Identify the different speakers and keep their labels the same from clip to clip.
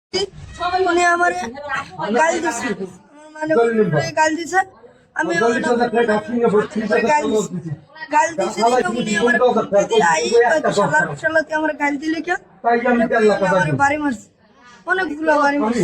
Speaker 1: উনি আমার গাল দিছে, মানে গাল দিছে। আমি গাল দিছি উনি আমার শালাতে আমার গাল দিলে কে আমার বাড়ি মারছে, অনেকগুলো বাড়ি মারছে।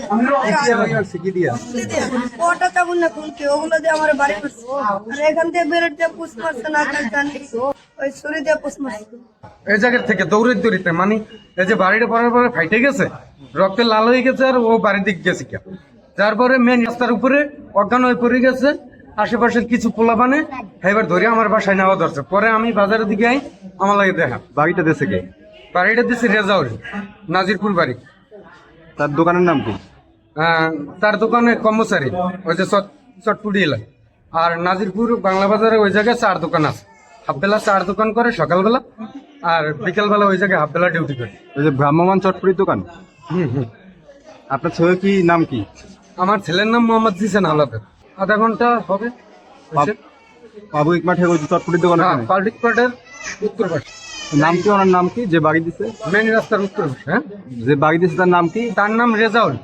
Speaker 1: ওটা তেমন না কোনকে ওগুলো দিয়ে আমার বাড়ি মারছে। আর এখান থেকে বেরোট দিয়ে পুষ মারছে না, ওই ছুরি দিয়ে পুষ মারছে।
Speaker 2: এই জায়গার থেকে দৌড়িতে মানে এই যে বাড়িটা পড়ার পরে ফাইটে গেছে, রক্তে লাল হয়ে গেছে, আর ও বাড়ির দিকে গেছে কে। তারপরে মেন রাস্তার উপরে অজ্ঞান হয়ে পড়ে গেছে। আশেপাশের কিছু পোলা বানে এবার ধরে আমার বাসায় নেওয়া ধরছে। পরে আমি বাজারের দিকে আই, আমার লাগে দেখা
Speaker 3: বাড়িটা দেশে কে?
Speaker 2: বাড়িটা দিচ্ছে রেজাউল, নাজিরপুর বাড়ি।
Speaker 3: তার দোকানের নাম কি?
Speaker 2: তার দোকানে কর্মচারী, ওই যে চটপুটি এলাকা। আর নাজিরপুর বাংলা বাজারে ওই জায়গায় চার দোকান আছে। হাফবেলা চার দোকান করে সকালবেলা, আর বিকেলবেলা ওই জায়গায় হাফবেলা ডিউটি করে।
Speaker 3: ওই যে ভ্রাম্যমান চটপুরির দোকান। আপনার ছেলে কি নাম কি?
Speaker 2: আমার ছেলের নাম মোহাম্মদ জিসান আলাদা। আধা ঘন্টা হবে।
Speaker 3: পাবলিক মাঠে ওই যে চটপুরির দোকান,
Speaker 2: পাবলিক মাঠের উত্তর পাশে।
Speaker 3: নাম কি ওনার নাম কি যে বাড়ি দিছে?
Speaker 2: মেন রাস্তার উত্তর পাশে। হ্যাঁ,
Speaker 3: যে বাড়ি দিছে তার নাম কি?
Speaker 2: তার নাম রেজাউল।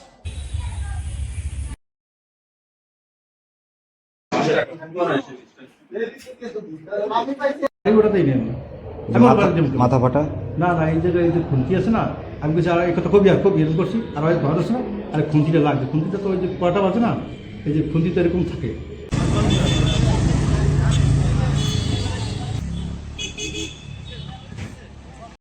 Speaker 3: মাথা ফাটা
Speaker 4: না না, এই জায়গায় এই যে খুন্তি আছে না, আমি বলছি আর এই কথা কবি আর খুব এরকম করছি, আর ওই ঘর আছে না, আর খুন্তিটা লাগছে। খুন্তিটা তো ওই যে কটা বাজে না, এই যে খুন্তি তো এরকম থাকে।